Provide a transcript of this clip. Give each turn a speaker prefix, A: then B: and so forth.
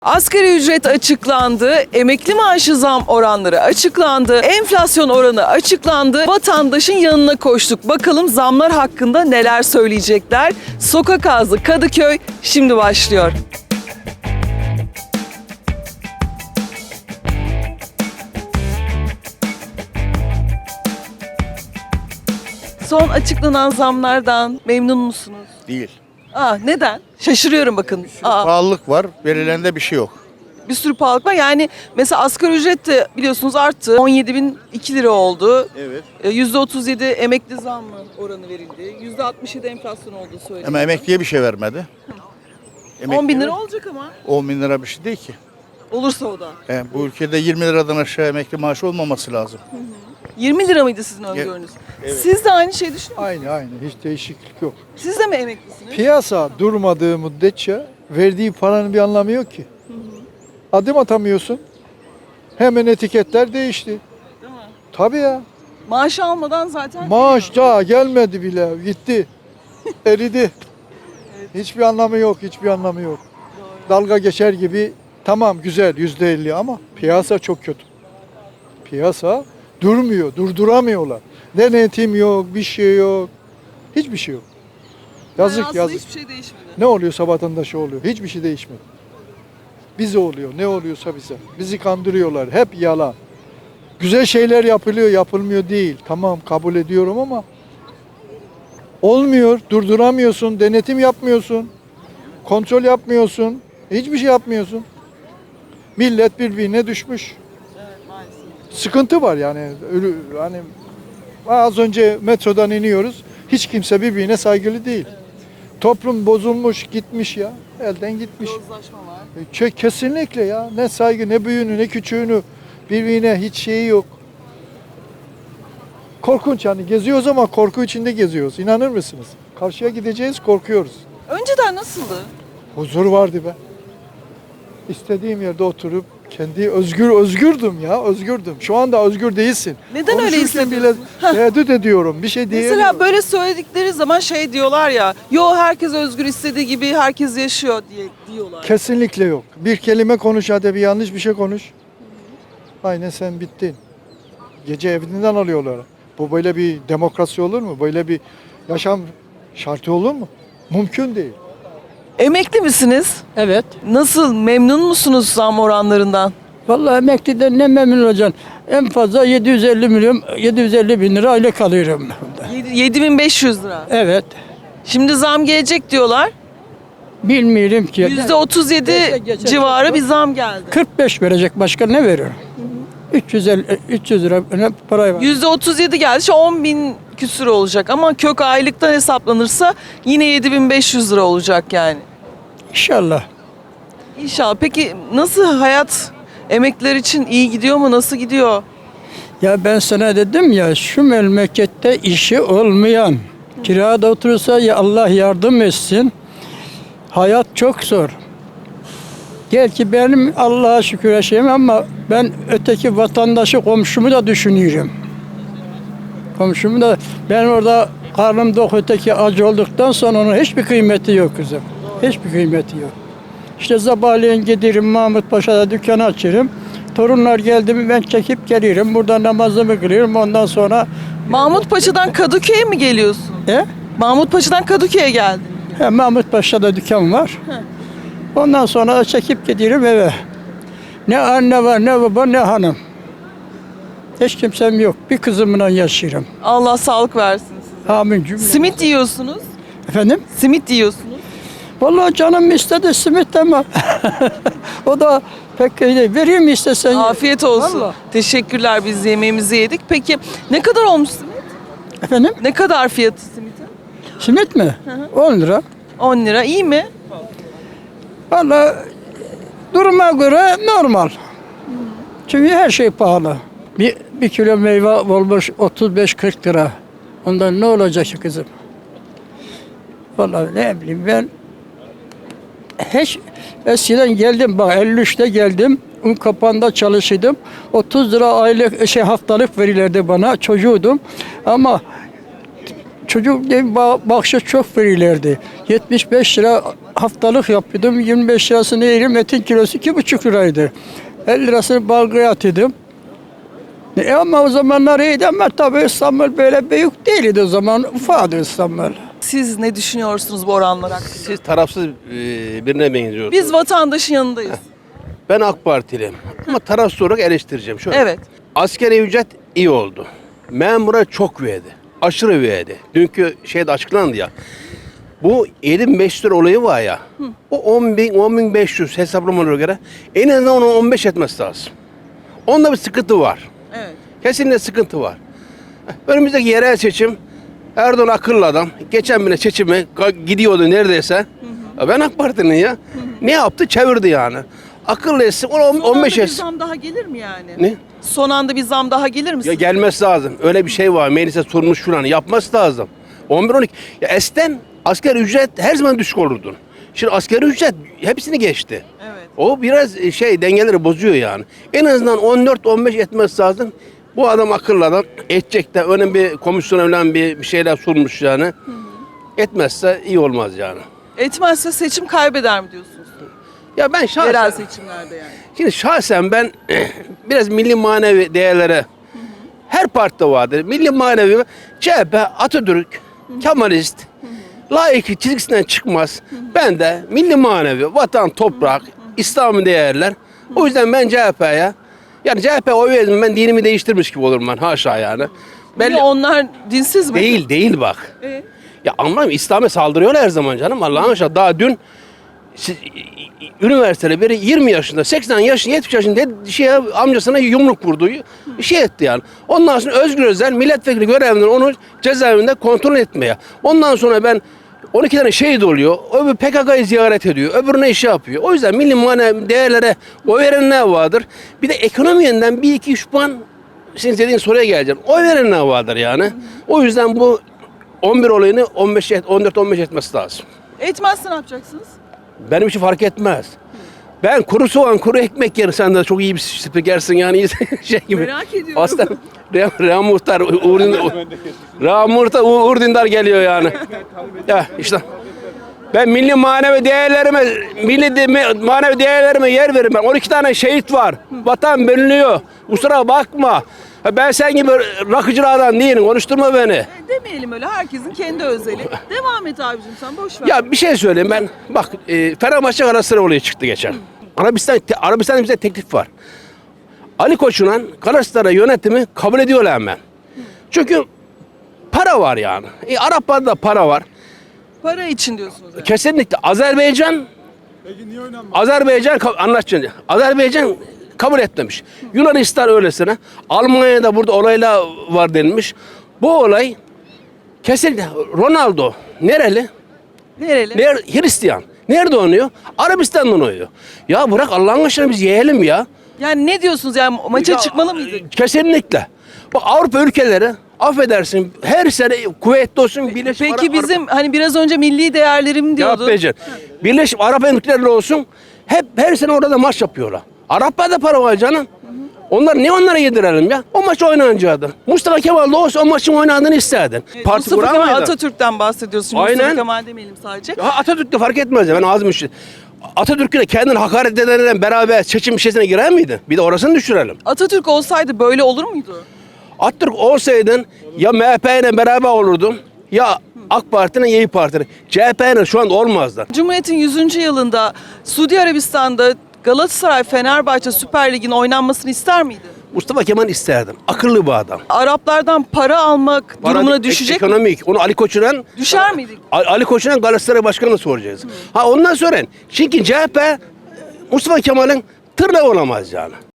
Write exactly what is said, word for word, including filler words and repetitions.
A: Asgari ücret açıklandı, emekli maaşı zam oranları açıklandı, enflasyon oranı açıklandı. Vatandaşın yanına koştuk. Bakalım zamlar hakkında neler söyleyecekler. Sokak Ağzı Kadıköy şimdi başlıyor. Son açıklanan zamlardan memnun musunuz?
B: Değil.
A: Aa, neden? Şaşırıyorum bakın. Aa.
B: Pahalılık var, verilende bir şey yok.
A: Bir sürü pahalılık var. Yani mesela asgari ücret de biliyorsunuz arttı. on yedi bin iki lira oldu.
B: Evet.
A: E, yüzde otuz yedi emekli zammı oranı verildi. yüzde altmış yedi enflasyon olduğu söyleniyor.
B: Ama emekliye bir şey vermedi.
A: on bin lira
B: Emekliye-
A: olacak ama.
B: on bin lira bir şey değil ki.
A: Olursa o da.
B: E, bu ülkede yirmi liradan aşağı emekli maaşı olmaması lazım.
A: yirmi lira mıydı sizin öngörünüz?
B: Evet.
A: Siz de aynı şeyi düşünüyor musunuz?
C: Aynı aynı hiç değişiklik yok.
A: Siz de mi emeklisiniz?
C: Piyasa durmadığı müddetçe verdiği paranın bir anlamı yok ki. Adım atamıyorsun. Hemen etiketler değişti.
A: Değil mi?
C: Tabii ya.
A: Maaş almadan zaten
C: Maaş daha gelmedi bile. Gitti. Eridi. Hiçbir anlamı yok. Hiçbir anlamı yok. Dalga geçer gibi tamam güzel yüzde elli ama piyasa çok kötü. Piyasa durmuyor. Durduramıyorlar. Denetim yok. Bir şey yok. Hiçbir şey yok.
A: Yani
C: Yazık
A: aslında
C: yazık.
A: hiçbir şey değişmedi.
C: Ne oluyorsa vatandaşa oluyor. Hiçbir şey değişmedi. Bize oluyor. Ne oluyorsa bize. Bizi kandırıyorlar. Hep yalan. Güzel şeyler yapılıyor, yapılmıyor değil. Tamam kabul ediyorum ama olmuyor. Durduramıyorsun. Denetim yapmıyorsun. Kontrol yapmıyorsun. Hiçbir şey yapmıyorsun. Millet birbirine düşmüş.
A: Evet maalesef.
C: Sıkıntı var yani. Ölü, hani az önce metrodan iniyoruz. Hiç kimse birbirine saygılı değil. Toplum bozulmuş, gitmiş ya. Elden gitmiş.
A: Yozlaşma var.
C: E, çe- Kesinlikle ya. Ne saygı, ne büyüğünü, ne küçüğünü birbirine hiç şeyi yok. Korkunç yani. Geziyoruz ama korku içinde geziyoruz. İnanır mısınız? Karşıya gideceğiz, korkuyoruz.
A: Önceden nasıldı?
C: Huzur vardı be. İstediğim yerde oturup kendi özgür özgürdüm ya, özgürdüm. Şu anda özgür değilsin.
A: Neden öyle
C: Konuşurken bile
A: hissediyorsun?
C: tereddüt ediyorum. Bir şey diyemiyorum.
A: Mesela böyle söyledikleri zaman şey diyorlar ya, yo herkes özgür istediği gibi herkes yaşıyor diye diyorlar.
C: Kesinlikle yok. Bir kelime konuş hadi bir yanlış bir şey konuş. Aynen sen bittin. Gece evinden alıyorlar. Bu böyle bir demokrasi olur mu? Böyle bir yaşam şartı olur mu? Mümkün değil.
A: Emekli misiniz?
D: Evet.
A: Nasıl, memnun musunuz zam oranlarından?
D: Vallahi emekliden ne memnun olacaksın. En fazla yedi yüz elli milyon, yedi yüz elli bin lira aylık alıyorum.
A: yedi bin beş yüz lira.
D: Evet.
A: Şimdi zam gelecek diyorlar.
D: Bilmiyorum ki.
A: yüzde otuz yedi
D: Geçe- geçe-
A: civarı bir zam geldi.
D: kırk beş verecek, başka ne veriyor? üç yüz elli, üç yüz lira ne para var.
A: yüzde otuz yedi geldi. İşte on bin küsür olacak ama kök aylıktan hesaplanırsa yine yedi bin beş yüz lira olacak yani.
D: İnşallah.
A: İnşallah. Peki nasıl hayat emekliler için iyi gidiyor mu? Nasıl gidiyor?
D: Ya ben sana dedim ya, şu memlekette işi olmayan, kirada oturursa ya Allah yardım etsin. Hayat çok zor. Gel ki benim Allah'a şükür yaşayayım ama ben öteki vatandaşı, komşumu da düşünüyorum. Komşumu da, ben orada karnım tok, öteki acı olduktan sonra onun hiçbir kıymeti yok kızım. Hiçbir kıymeti yok. İşte sabahleyin giderim Mahmut Paşa'da dükkan açarım. Torunlar geldi mi ben çekip gelirim. Burada namazımı kılıyorum. Ondan sonra
A: Mahmut Paşa'dan Kadıköy'e mi geliyorsun?
D: e,
A: Mahmut Paşa'dan Kadıköy'e geldin.
D: he, Mahmut Paşa'da dükkan var. Ondan sonra da çekip gidiyorum eve. Ne anne var, ne baba, ne hanım. Hiç kimsem yok. Bir kızımla yaşıyorum.
A: Allah sağlık versin size.
D: Amin cümle.
A: Simit yiyorsunuz.
D: Efendim?
A: Simit yiyorsunuz.
D: Vallahi canım istedi simit ama o da pek iyi değil. Vereyim mi istesen?
A: Afiyet olsun.
D: Vallahi.
A: Teşekkürler, biz yemeğimizi yedik. Peki ne kadar olmuş simit?
D: Efendim?
A: Ne kadar fiyatı simitin?
D: Simit mi? on lira.
A: on lira. İyi mi?
D: Vallahi duruma göre normal. Çünkü her şey pahalı. Bir, bir kilo meyve olmuş otuz beş kırk lira. Ondan ne olacak ki kızım? Vallahi ne bileyim ben hiç eskiden geldim bak elli üçte geldim. Un kapağında çalışıyordum. otuz lira aylık şey haftalık verirlerdi bana. Çocuğudum. Ama çocuk gibi ba- bahşiş çok verirlerdi. yetmiş beş lira haftalık yapıyordum. yirmi beş lirasını yerim. Etin kilosu iki buçuk liraydı. elli lirasını balgaya atıyordum. E ama o zamanlar iyiydi ama tabii İstanbul böyle büyük değildi o zaman. Ufaktı İstanbul.
A: Siz ne düşünüyorsunuz bu oranlar hakkında?
E: Siz tarafsız e, birine benziyorsunuz.
A: Biz vatandaşın yanındayız.
E: Ben AK Partiliyim ama tarafsız olarak eleştireceğim. Şöyle.
A: Evet.
E: Asgari ücret iyi oldu. Memura çok verdi. Aşırı verdi. Dünkü şeyde açıklandı ya. Bu yedi bin beş yüz lira olayı var ya. O on bin, on bin beş yüz hesaplamalara göre en azından onu on beş etmesi lazım. Onda bir sıkıntı var.
A: Evet.
E: Kesinlikle sıkıntı var. Önümüzdeki yerel seçim Erdoğan akıllı adam. Geçen bile seçimi ka- gidiyordu neredeyse. Ya ben AK Parti'nin ya. Ne yaptı? Çevirdi yani. Akıllı etsin. Onu on-
A: Son
E: on beş
A: anda bir
E: etsin.
A: zam daha gelir mi yani?
E: Ne?
A: Son anda bir zam daha gelir mi?
E: Ya
A: sizce?
E: gelmesi lazım. Öyle bir şey var. Meclise sormuş falan. Yapması lazım. on bir on iki. Ya eskiden asgari ücret her zaman düşük olurdu. Şimdi asgari ücret hepsini geçti.
A: Evet.
E: O biraz şey dengeleri bozuyor yani. En azından on dört on beş etmesi lazım. Bu adam akıllı adam. Edecek de önemli bir komisyon falan bir, bir şeyler sunmuş yani. Hı hı. Etmezse iyi olmaz yani.
A: Etmezse seçim kaybeder mi diyorsunuz?
E: Ya ben şahsen,
A: Yerel seçimlerde yani.
E: şimdi şahsen ben biraz milli manevi değerlere her partide vardır. Milli manevi C H P, Atatürk, Kemalist, layık çizgisinden çıkmaz. Ben de milli manevi, vatan, toprak, İslami değerler. O yüzden ben C H P'ye yani C H P oy verdim ben dinimi değiştirmiş gibi olurum ben haşa yani.
A: Belli onlar dinsiz mi?
E: Değil değil bak.
A: Ee?
E: Ya anlamıyorum İslam'a saldırıyorlar her zaman canım Allah'ın aşkına. Daha dün siz, üniversitede biri yirmi yaşında, seksen yaşında, yetmiş yaşında şeye, amcasına yumruk vurdu. Şey etti yani. Ondan sonra Özgür Özel milletvekili görevinden onu cezaevinde kontrol etmeye. Ondan sonra ben on iki tane şehit oluyor. Öbür P K K'yı ziyaret ediyor. Öbürüne iş yapıyor. O yüzden milli manevi değerlere oy verenler vardır. Bir de ekonomi yönden bir iki üç puan senin dediğin soruya geleceğim. Oy verenler vardır yani. O yüzden bu on bir olayını on beş on dört on beş etmesi lazım.
A: Etmezse ne yapacaksınız?
E: Benim için fark etmez. Ben kuru soğan, kuru ekmek yerim. Sen de çok iyi bir spikersin yani iyi şey gibi.
A: Merak ediyorum.
E: Aslında Reha, Reha Muhtar, Uğur Dündar, Reha Muhtar, Uğur Dündar geliyor yani. Ya işte ben milli manevi değerlerime, milli de, manevi değerlerime yer veririm ben. on iki tane şehit var. Vatan bölünüyor. Kusura bakma. Ben sen gibi rakıcılardan değilim. Konuşturma beni.
A: E, demeyelim öyle. Herkesin kendi özeli. Devam et abicim sen boş ver.
E: Ya bir şey söyleyeyim ben. Bak e, Fenerbahçe Galatasaray olayı çıktı geçen. Arabistan te, Arabistan'da bize teklif var. Ali Koç'un Galatasaray yönetimi kabul ediyorlar hemen. Çünkü para var yani. E, Araplarda para var.
A: Para için diyorsunuz yani.
E: Kesinlikle Azerbaycan Azerbaycan ka- anlaşacağım. Azerbaycan kabul etmemiş. Yunanistan öylesine. Almanya'da burada olaylar var denilmiş. Bu olay kesinlikle Ronaldo nereli?
A: Nereli?
E: Ner Hristiyan. Nerede oynuyor? Arabistan'dan oynuyor. Ya bırak Allah'ın aşkına biz yiyelim ya.
A: Yani ne diyorsunuz yani maça
E: Ya,
A: çıkmalı mıydık?
E: Kesinlikle. Bak Avrupa ülkeleri affedersin her sene kuvvetli olsun Birleşik
A: Peki
E: Arap-
A: bizim hani biraz önce milli değerlerim
E: Cevap
A: diyordu.
E: vereceğim. Birleşik Arap Emirlikleri olsun hep her sene orada maç yapıyorlar. Araplarda para var canım. Onlar ne onlara yedirelim ya? O maç oynanacaktı. Mustafa Kemal de olsa o maçın oynandığını isterdin.
A: E,
E: Parti
A: Mustafa Kemal
E: kuramaydın.
A: Atatürk'ten bahsediyoruz. Şimdi
E: Aynen.
A: Mustafa Kemal demeyelim sadece.
E: Ya Atatürk de fark etmez ya ben ağzım işi. Atatürk'ü de kendini hakaret edenlerle beraber seçim işesine girer miydi? Bir de orasını düşürelim.
A: Atatürk olsaydı böyle olur muydu?
E: Atatürk olsaydın ya M H P ile beraber olurdun ya AK Parti'nin İYİ Parti'nin. C H P ile şu anda olmazdı.
A: Cumhuriyet'in yüzüncü yılında Suudi Arabistan'da Galatasaray Fenerbahçe Süper Lig'in oynanmasını ister miydi?
E: Mustafa Kemal isterdim. Akıllı bir adam.
A: Araplardan para almak
E: Para-
A: durumuna
E: ek-
A: düşecek mi?
E: Ekonomik. Onu Ali Koç'un
A: Düşer miydik?
E: Ali Koç'un Galatasaray Başkanı'na soracağız. Ha ondan sonra çünkü C H P Mustafa Kemal'in tırnağı olamaz yani.